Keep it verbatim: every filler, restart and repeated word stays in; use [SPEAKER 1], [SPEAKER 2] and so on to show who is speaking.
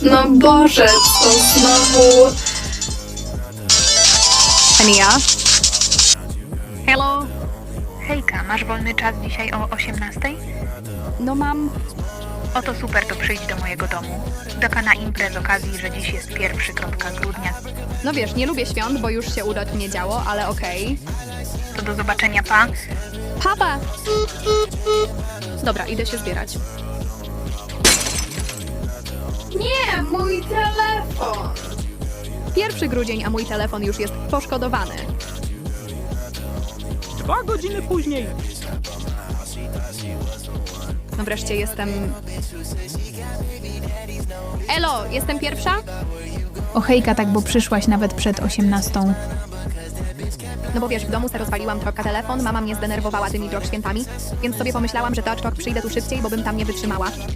[SPEAKER 1] No Boże, to znowu...
[SPEAKER 2] Ania? Hello?
[SPEAKER 3] Hejka, masz wolny czas dzisiaj o osiemnastej?
[SPEAKER 2] No mam...
[SPEAKER 3] Oto super, to przyjdź do mojego domu. Taka na imprez z okazji, że dziś jest pierwszy kropka grudnia.
[SPEAKER 2] No wiesz, nie lubię świąt, bo już się udać nie działo, ale okej.
[SPEAKER 3] To do zobaczenia, pa!
[SPEAKER 2] Papa! Dobra, idę się zbierać.
[SPEAKER 1] Nie, mój telefon!
[SPEAKER 2] Pierwszy grudzień, a mój telefon już jest poszkodowany.
[SPEAKER 4] Dwa godziny później.
[SPEAKER 2] No wreszcie jestem... Elo, jestem pierwsza?
[SPEAKER 5] O hejka, tak, bo przyszłaś nawet przed osiemnastą.
[SPEAKER 2] No bo wiesz, w domu se rozwaliłam trochę telefon, mama mnie zdenerwowała tymi drog świętami, więc sobie pomyślałam, że to aczkok przyjdę tu szybciej, bo bym tam nie wytrzymała.